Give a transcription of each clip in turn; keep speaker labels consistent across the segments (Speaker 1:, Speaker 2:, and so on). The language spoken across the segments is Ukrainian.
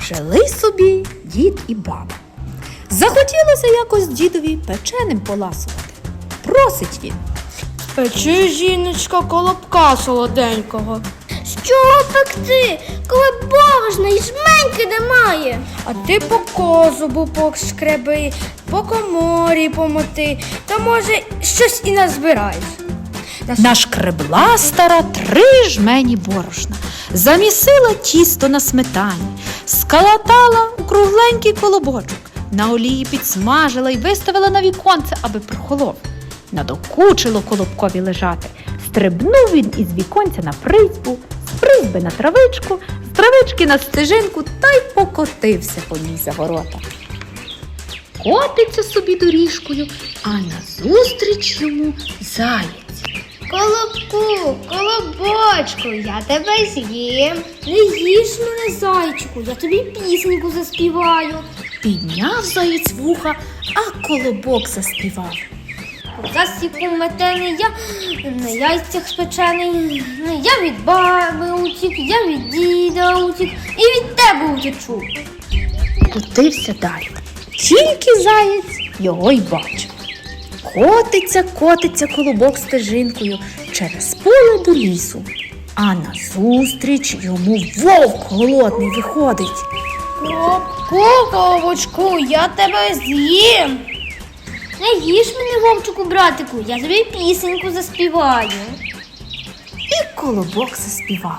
Speaker 1: Жили собі дід і баба. Захотілося якось дідові печеним поласувати. Просить він:
Speaker 2: Печи, жіночка, колобка солоденького.
Speaker 3: З чого пекти, коли борошна і жменьки немає?
Speaker 2: А ти по козубу пошкреби, по коморі помоти, та може щось і назбираєш.
Speaker 1: Нашкребла стара 3 жмені борошна, замісила тісто на сметані, скалатала у кругленький колобочок, на олії підсмажила й виставила на віконце, аби прохолов. Надокучило колобкові лежати. Стрибнув він із віконця на призьбу, з призьби на травичку, з травички на стежинку та й покотився по ній за ворота. Котиться собі доріжкою, а назустріч йому заєць.
Speaker 3: Колобку, колобочку, я тебе з'їм.
Speaker 2: Не їж мене, зайчику, я тобі пісеньку заспіваю.
Speaker 1: Підняв заєць вуха, а колобок заспівав.
Speaker 2: Засіку метений, я на яйцях спечений, я від баби утік, я від діда утік і від тебе утечу.
Speaker 1: Котився далі. Тільки заєць його й бачив. Котиться колобок стежинкою через поле до лісу, а назустріч йому вовк голодний виходить.
Speaker 2: Колобку, колобочку, я тебе з'їм.
Speaker 3: Не їж мене, вовчику, братику, я тобі пісеньку заспіваю.
Speaker 1: І колобок заспівав.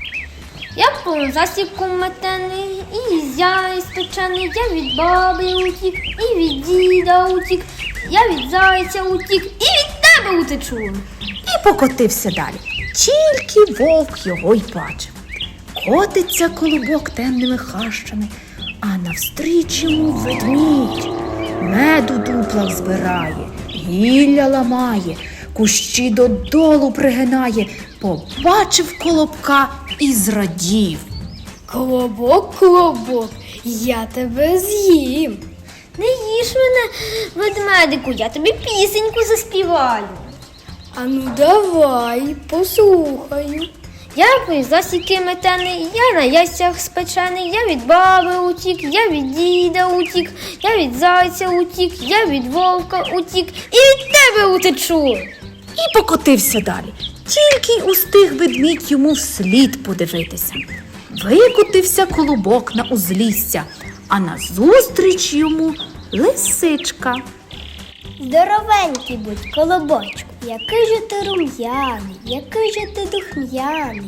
Speaker 2: Я по засіку метений, і яйць спечений, я від баби утік, і від діда утік, я від зайця утік, і від тебе утечу.
Speaker 1: І покотився далі. Тільки вовк його й бачив. Котиться колобок темними хащами, а навстріч йому ведмідь. Меду дуплах збирає, гілля ламає, кущі додолу пригинає. Побачив колобка і зрадів.
Speaker 2: Колобок, колобок, я тебе з'їм.
Speaker 3: Не їж мене, ведмедику, я тобі пісеньку заспіваю.
Speaker 2: Ану давай, послухаю.
Speaker 3: Я по засіки метений, я на яйцях спечений, я від баби утік, я від діда утік, я від зайця утік, я від вовка утік і від тебе утечу.
Speaker 1: І покотився далі. Тільки й устиг ведмідь йому вслід подивитися. Викотився колобок на узлісся, а назустріч йому лисичка.
Speaker 3: Здоровенький будь, колобочку, який же ти рум'яний, який же ти духм'яний.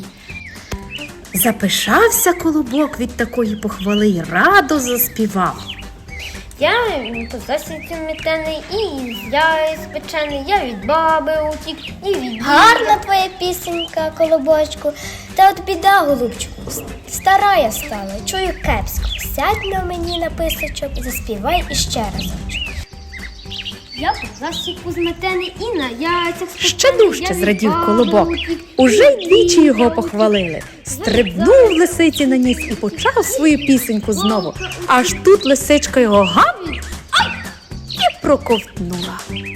Speaker 1: Запишався колобок від такої похвали й радо заспівав.
Speaker 3: Я по засіки метений, і з яєць спечений, я від баби утік, і від
Speaker 4: Гарна твоя пісенька, колобочку. Та от біда, голубчику, стара я стала, чую кепсько. Сядь на мені на писочок і заспівай іще разочок.
Speaker 3: Я по засіку зметений, і на яйцях спечений.
Speaker 1: Ще дужче
Speaker 3: я від
Speaker 1: зрадів
Speaker 3: баби
Speaker 1: колобок.
Speaker 3: утік,
Speaker 1: Уже
Speaker 3: і від
Speaker 1: двічі його
Speaker 3: діда
Speaker 1: похвалили. Стрибнув лисиці на ніс і почав свою пісеньку знову. Аж тут лисичка його гам і проковтнула.